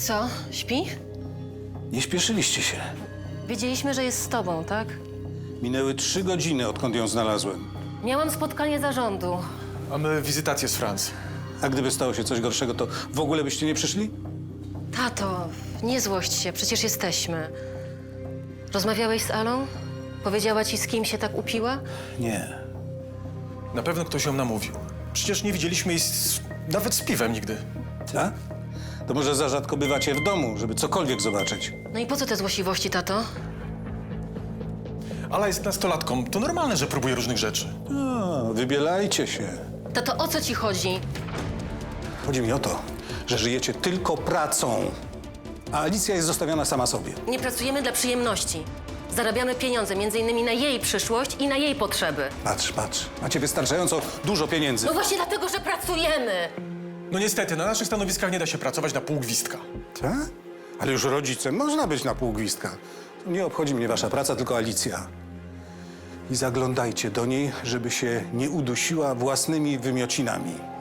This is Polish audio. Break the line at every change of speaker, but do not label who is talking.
co, śpi?
Nie śpieszyliście się.
Wiedzieliśmy, że jest z tobą, tak?
Minęły 3 godziny, odkąd ją znalazłem.
Miałam spotkanie zarządu.
Mamy wizytację z Francji.
A gdyby stało się coś gorszego, to w ogóle byście nie przyszli?
Tato, nie złość się, przecież jesteśmy. Rozmawiałeś z Alą? Powiedziała ci, z kim się tak upiła?
Nie.
Na pewno ktoś ją namówił. Przecież nie widzieliśmy jej nawet z piwem nigdy.
Tak? To może za rzadko bywacie w domu, żeby cokolwiek zobaczyć.
No i po co te złośliwości, tato?
Ala jest nastolatką. To normalne, że próbuje różnych rzeczy.
Wybielajcie się.
Tato, o co ci chodzi?
Chodzi mi o to, że żyjecie tylko pracą, a Alicja jest zostawiona sama sobie.
Nie pracujemy dla przyjemności. Zarabiamy pieniądze, między innymi na jej przyszłość i na jej potrzeby.
Patrz, patrz. Macie wystarczająco dużo pieniędzy.
No właśnie dlatego, że pracujemy!
No niestety, na naszych stanowiskach nie da się pracować na pół gwizdka.
Tak? Ale już rodzicem można być na pół gwizdka. Nie obchodzi mnie wasza praca, tylko Alicja. I zaglądajcie do niej, żeby się nie udusiła własnymi wymiocinami.